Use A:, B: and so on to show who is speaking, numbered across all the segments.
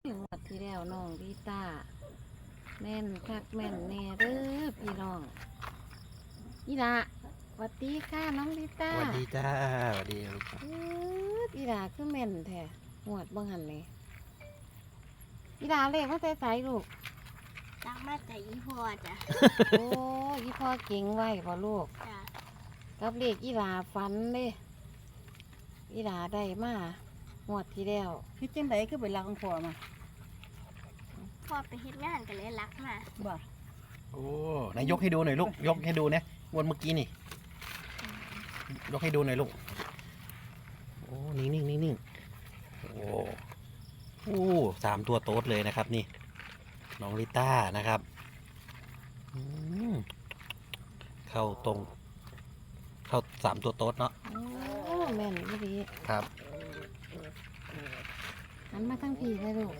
A: งวดที่แล้วน้องลิต้าแม่นคักแม่นแน่เด้อพี่น้องอีละสวัสดีค่ะน้องลิต้า
B: สวัสดีจ้าสวัสดีลูก
A: อีละคือแม่นแท้งวดบ่หันนี่อีละเลขมาแต่ไสลูก
C: ตั้งมาแต่อีพ่อจ้ะ
A: โอ้อีพ่อเก่งไว้บ่ลูก
C: จ้ะ
A: กับเลขอีละฝันเลยอีละได้มางวดที่แล้ว
D: คือจังไดคือไปรักของพ่อมา
C: พ่อไปเฮ็ดงานกันเลยรักมา
D: บ่
B: โอ้นายยกให้ดูหน่อยลูกยกให้ดูเนี่ยวนเมื่อกี้นี่ยกให้ดูหน่อยลูกโอ้นิ่งโอ้3 ตัวโต๊ดเลยนะครับนี่น้องลิต้านะครับเข้าตรงเข้า3 ตัวโต๊ดเนาะ
A: โอ้แม่นอีหลี
B: ครับ
A: หันมาทั้งพี่เลยลูก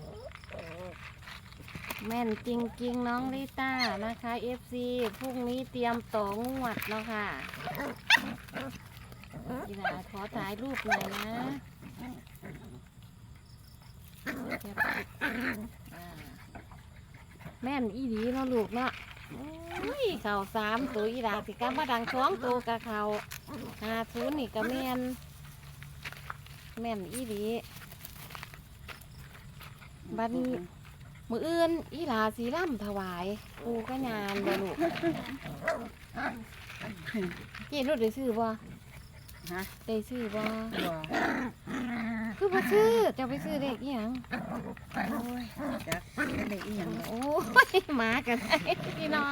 A: แม่นจริงๆน้องลิต้านะคะ FC พรุ่งนี้เตรียมต่องวดแล้วค่ะอีหลาขอถ่ายรูปหน่อยนะแม่นอีหลีเนาะลูกเนาะอุ้ยเข่า3 ตัวอีหลาสิกลับมาดัง2 ตัวกับเข่า50นี่ก็แม่นอีหลีบัดนี้มื้ออื่นอีหลาสีร่ำถวายปูกระยานบ่ลูกเจ๊นุชได้ซื้อบ่
D: ฮะ
A: ได้ซื้อบ่
D: บ่
A: คือบ่ซื้อจะไปซื้อเลขอีหยัง
D: โอ้ยจักได้อีหยัง
A: โอ้ยหมากันได้พี่น้อง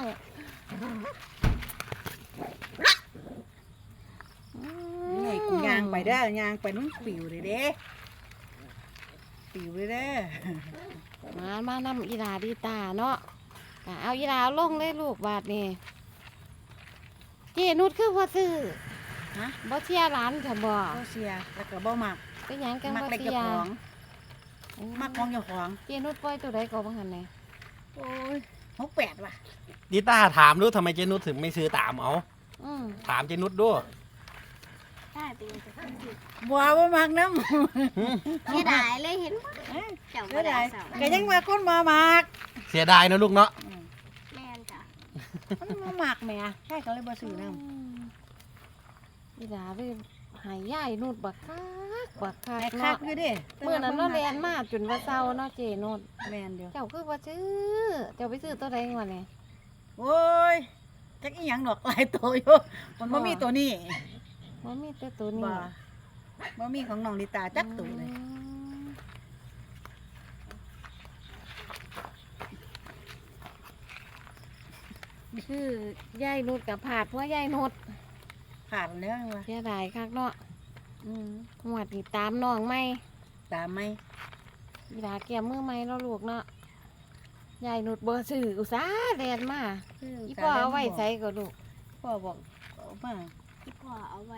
D: นี่กูย่างไปเด้อย่างไปนุ่นปิวเลยเด้ปิวเลยเด้อ
A: มานำอีหลาดีตาเนาะเอาอีหลาลงเลยลูกบาดนี่เจนุชคือบ่ซื้อ
D: ฮะ
A: บ่เชียร์หลานค่ะบ่
D: บ่เสียแล้วก็บ่มัก
A: เป็นหยังกัน
D: มัก
A: บ่
D: เล็ก
A: เชี
D: เจ้าย
A: ร์
D: ของมักของเจ้าของ
A: เจนุชปล่อยตัวใดก็บ่หันแน่
D: โอ้ย68ว่ะ
B: ลิต้าถามดูทำไมเจนุชถึงไม่ซื้อตามเอา
A: อืม
B: ถามเจนุชด้วย
C: ถ้าเป็นจะขึ้นอยู่
D: บ่มักนำ
C: เสียดายเลยเห็นบ่เจ้า
D: ก็
C: บ่ได้
D: ได้
C: สาว
D: ก็ยังว่าคนบ่มัก
B: เสียดายนะลูกเนาะ
C: แม่นจ้ะ
D: มันบ่มักแหม่ใช่ก็เลยบ่ซื้อนำ
A: อีหลาเลยหายยายนุชบักคัก
D: แต่คั
A: เนาะ
D: กอยู่เด้
A: มื้อนั้นเนาะแลนมาจนว่าเศร้าเนาะเจนุช
D: แม่นเด้อ
A: เจ้าคือบ่ซื้อเจ้าไปซื้อตัวใดงวดนี่
D: โอ้ยจักอีหยังดอกหลายตัวอยู่มันบ่มีตัวนี้
A: มันมีแต่ตัวนี้
D: บ่มีของน้องลิตาจักตัวเลย
A: คือยายนุชกับผาดเพราะยายนุช
D: ผ่านแล้วว่ะ
A: เสียดายคักเนาะ
D: อืม
A: หวดนี่ตามน้องไหม
D: ตามไหม
A: อีหลาแก้มมือไหมเนาะลูกเนาะยายนุชบ่ซื้ออุตส่าห์แลนมาอีพ่อเอาไว้ใส่ก็ลูก
D: พ่อบอกเอามา
C: ที่พ่อเอาไว้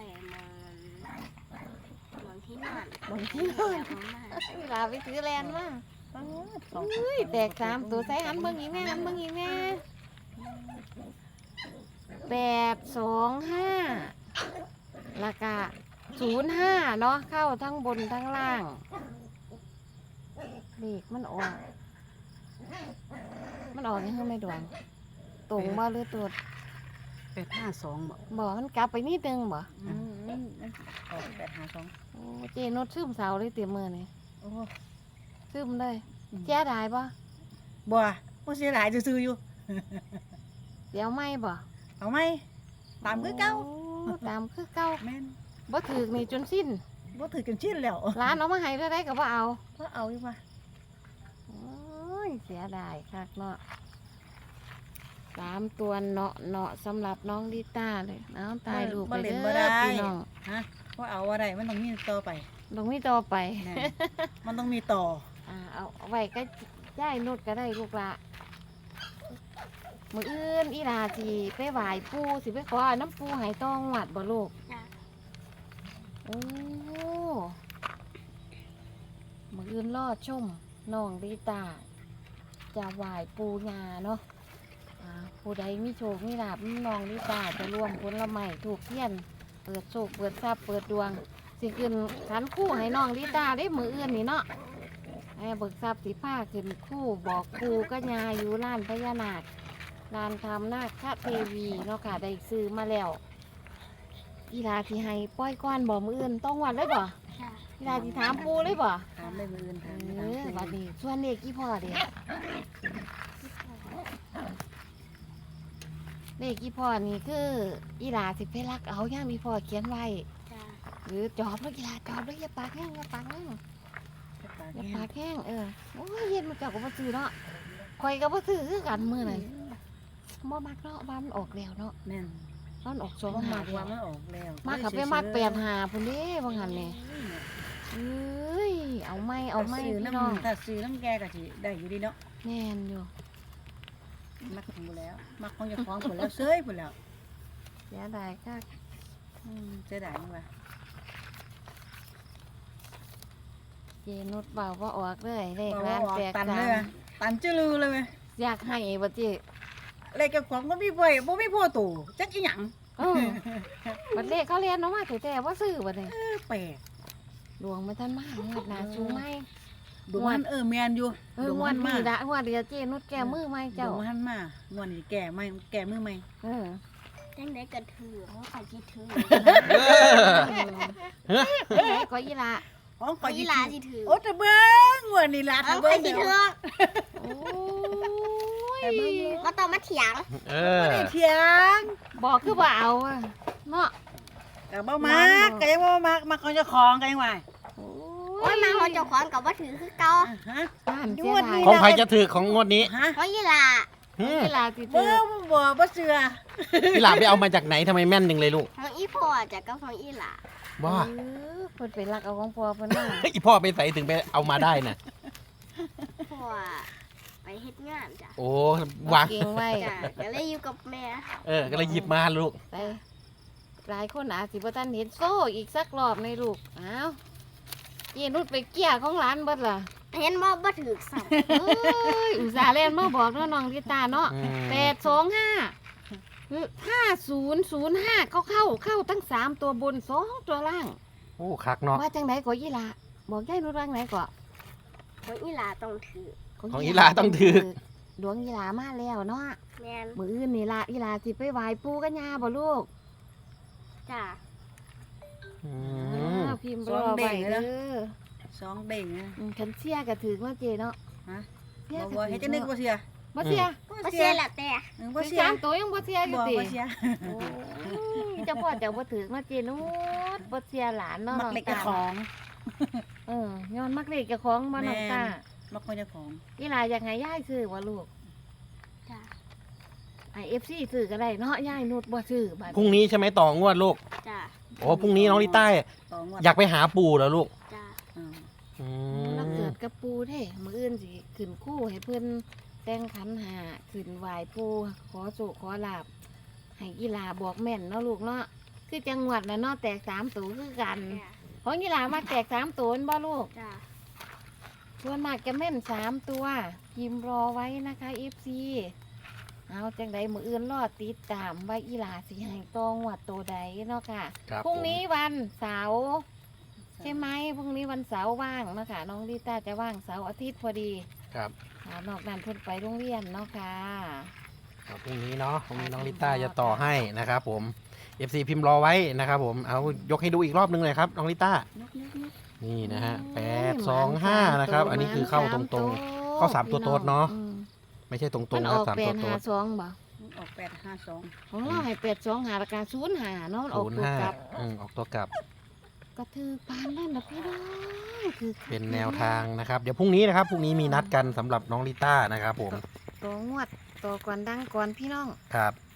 C: มองที่นอน
A: บางทีเ
C: เอามา
A: อีหลาไปซื้อแลนมา
D: สอง
A: อุ้ยแตก3 ตัวใส่หันเบิ่งอีกแม่หันเบิ่งอีกแม่825แล้วก็05เนาะเข้าทั้งบนทั้งล่างเลขมันออกยังไงไม่ดวงตรงบ่หรือตัว
D: 852บอก
A: บ่มันกลับไปนิดนึงบ่
D: ออก852
A: โอ้เจนุชซึมเสาเลยเตรียมมือนี่
D: โอ้
A: ซึมเลยแจ้ได้บ่
D: บ่บ่เสียหลายซื่อๆอยู่
A: เดี๋ยวไม่บ่
D: เอาไหมตามคือเก่า
A: โอ้ตามคือเก่า
D: แม่น
A: บ่ถือนี่จนสิ้น
D: บ่ถือกันชิ้นแล้ว
A: ร้านเอามาให้เท่าไรก็บ่เอา
D: ก็เอาอยู่ว่า
A: โอ้ยเสียดายคักเนาะ3 ตัวเนาะสำหรับน้องลิต้าเลยเอาตายลูกไปเด้อพี่น้อง
D: ฮะว่าเอาอะไรมันต้องมีต่อไป
A: ลงมีต่อไป
D: แน่มันต้องมีต่อ
A: เอาไว้ก็ย่ายนุดก็ได้ลูกละมื้ออื่นอีหลาสิไปไหว้ปู่สิไปขอน้ำปู่ให้ต้องหวัดบ่ลูก
C: จ้ะ
A: โอ้มื้ออื่นรอชมน้องลิตาจะไหว้ปู่ย่าเนาะผู้ใดมีโชคมีลาภน้องลิตาจะรวมผลไม้ถูกเทียนเปิดโชคเปิดทรัพย์เปิดดวงสิขึ้นขันคู่ให้น้องลิตาได้มื้ออื่นนี่เนาะให้ม่เบิกทรัพย์สิผ้าขึ้นคู่บอกปูก็ยาอยู่ร้านพญานาคร้านทำนาคเทวีเนาะค่ะได้ซื้อมาแล้วอีลาที่ให้ป้อยก้อนบ่มืออื่นต้องวันเลยบ่
C: จ้ะ
A: อีลาที่ถามปูเลยบ่
D: ถามได้มื้ออื่นถาม
A: เอ
D: ได้ถาม
A: อบัดนี้ส่วนเลขกี่พ่อเด้เลขกี่พ่อนี่คืออีลาสิไปรักเอาย่างมีพ่อเขียนไว้
C: จ้ะ
A: หรือจอบแล้วอีลาจอบแล้วอย่าปากแห้งอย่าปากแห้งอย่าปากแห้งโอ้ยเย็นมันเจ้าก็บ่ซื้อเนาะข่อยก็บ่ซื้อคือกันมื้อนั้นบ่มักเนาะบ้านมันออกแล้วเนาะ
D: แม่น
A: มันออก
D: บ่
A: 2
D: มัก
A: 5
D: ว่า
A: แล้ว
D: มันออกแล้ว
A: มาขับไปมัก8 5พุ่นเด้บางหันนี่เอ้ยเอาไม่เอาไม่
D: ซื้อ
A: พี่น้อง
D: น้ำถ้าซื้อน้ำแกก็สิได้อยู่ดีเนาะ
A: แม่นอยู่
D: มักของบ่แล้วมักของเจ้าของพุ่นแล้วเซยพุ่นแล้ว
A: เสียดายคัก
D: เสียดายจังว่า
A: เจนุชเบาว่าออกเลยเลข
D: บ่
A: ร้าน
D: ว่า
A: แตก
D: ตัน
A: สา
D: เลย
A: ม
D: อะตันจื้อลือเลยเว้ย
A: อยากให้บ่เจิ
D: เลขเจ้าของบ่มีบ่บ่มีพ่อตู่จักอีหยัง
A: บัดเลขเขาเรียนเนาะมาแต่ว่าซื้อบัดนี้
D: แปลก
A: ดวงมันทันมากงวดหนาชูไหม
D: ดวงมันแม่นอยู่
A: งวดนี้ละงวดเดียวเจนุชแก้มือไหม
D: เจ้า
A: เจ้า
D: หันมางวดนี้แก่ไหมแก่มือไหม
C: จังไดก็ถือเขาใครคิดถือ
A: ไหนก็ยีละ
D: ของขอ
C: อี
D: ยิ
C: หลาสิถือ
D: โอ้แต่เบิ้งงวดนี้ล่ะ
C: เอา
D: ถ้า
C: ใคร
D: เบิ้ง
C: สิ
D: เดี๋ยว
C: ถือ
A: โอ้ย
C: ก็ต้องมาเถียง
B: เออ
D: ไม่ได้เถียง
A: บอกคือบ่เอาอะเนาะ
D: ก็บ่มักก็ยังบ่มักของเจ้าของก็ยังว่า
A: โอ้
C: โอ้ยมาเขาเจ้าของกับว่าถือคือเก่า
D: ฮะ
A: บ้านเสียดาย
B: ของใครจะถือของงวดนี้
D: ฮะ
C: เพราะอีหลา
A: ยีละติ
D: เบิ้
A: เตื
D: งบ่เชื่อ
B: พี่หลาบไปเอามาจากไหนทำไมแม่นหนึ่งเลยลูก
C: ของอีพ่อจากกับของอีหลา
B: ว่า
A: เพิ่นไปรักเอาของพ่อเพิ่นมา
B: อีพ่อไปใส่ถึงไปเอามาได้น่ะ
C: พ่อไปเฮ็ดงานจ้ะ
B: โอ้วาง
A: เก่งไว้
C: จ้ะก็เลยอยู่กับแม่
B: ก็เลยหยิบมาลูก
A: ไปหลายคนอาจสิบ่ทันเห็นโซ่อีกสักรอบในลูกอ้าวเจนุชไปเกี้ยของร้านเบิดล่ะ
C: เห็นบ่ถือสั่ง
A: เอ้ยอุตส่าห์เล่นมาบอกเนาะน้องลิตาเนาะ
B: อืม
A: 825 5005เข้าตั้ง3ตัวบน2ตัวล่าง
B: โอ้คักเนาะ
A: ว่าจังไดก็ยีหลาบอกยายนุชว่าจังไดก็
C: ของอีหลาต้องถือ
B: ของอีหลาต้องถือ
A: ดวงยีหลามาแล้วเนาะ
C: แม่น
A: มื้ออื่นนี่ล่ะอีหลาสิไปไหว้ปู่กับย่าบ่ลูก
C: จ้ะ
B: อืม
A: พิมพ์รอไว้เด้อ
D: สองเด้งนะ
A: คันเสียก็ถือว่าเจเนาะ
D: ฮะ
A: เสีย
D: บ่
A: ก็
D: บ่
A: ถื
D: เฮ็ด
A: อ
D: จังได๋
A: เนาะ
D: บ่เชื่อ
A: บ่เสีย
C: บ่เสียแล้วแต่
D: บ่
A: ถือ
D: เชื่อ
A: 3ตัวยังบ่เสียอยู่
D: บ่
A: ติ
D: บ่เชื่อ
A: โอ้ยเจ้าพ่อเจ้าบ่ถือมาเจนุชบ่เสียหลานเนาะ
D: มัก
A: น้อง
D: เล็ก
A: ตา
D: เจ้าของ
A: ย้อนมักเล็กเจ้าของบ่น้องตา
D: มักของเจ้าของ
A: อีหลาอยากให้ยายซื้อบ่ลูก
C: จ้ะ
A: ไอFC ซื้อก็ได้เนาะยายนุชบ่ซื้อบัด
B: พรุ่งนี้ใช่ไหมต่องวดลูก
C: จ้ะ
B: โอ้พรุ่งนี้น้องลิต้า
D: ต่องวด
B: อยากไปหาปู่เหรอลูก
C: จ้ะ
D: อืม
B: อื
A: แล้ว
B: ม
A: เกิดกับปูเด้มื้ออื่นสิขึ้นคู่ให้เพิ่นแต่งขันหาขึ้นไหว้ปู่ขอโชคขอลาภให้อีหลาบอกแม่นเนาะลูกเนาะคือจังหวัดน่ะเนาะแตก3ตัวคือกัน
C: จ้ะ
A: ของอีหลามาแตก3ตัวแม่นบ่ลูก
C: จ้ะ
A: ส่วนมากจะแม่น3ตัวพิมพ์รอไว้นะคะ FC เอาจังใดมื้ออื่นรอติดตามว่าอีหลาสิให้ตองวดตัวใดเนาะค่ะ
B: ครับ
A: พรุ่งนี้วันเสาร์ใช่ไหมพรุ่งนี้วันเสาร์ว่างเนาะคะน้องลิต้าจะว่างเสาร์อาทิตย์พอดี
B: ครับ
A: นอกนั้นเพิ่นไปโรงเรียนเนาะค่ะ
B: พรุ่งนี้เนาะพรุ่งนี้น้องลิต้าจะต่อให้นะครับผม FC พิมพ์รอไว้นะครับผมเอายกให้ดูอีกรอบนึงเลยครับน้องลิต้า
D: นก
B: นี่นะฮะ
A: โอ้ย
B: 825นะครับ อันนี้คือเข้าตรงๆ เข้า3ตัวโต๊ดเนาะ
A: อืม
B: ไม่ใช่ตรง
A: มัน
B: ๆ
A: อ
B: นะ
A: อก
B: 3ตัวโต๊ด
A: 852บ่
D: ออก852
A: ของเราให้825ราคา05เนาะออกตัวกลับ
B: 05ออกตัวกลับ
A: ก็ถือปานนั่นนะพี่น้องคือ
B: เป็นแนวทางนะครับ เดี๋ยวพรุ่งนี้นะครับพรุ่งนี้มีนัดกันสำหรับน้องลิต้านะครับผม
A: ตัวงวดตัวก่อนดังก่อนพี่น้อง
B: ครับ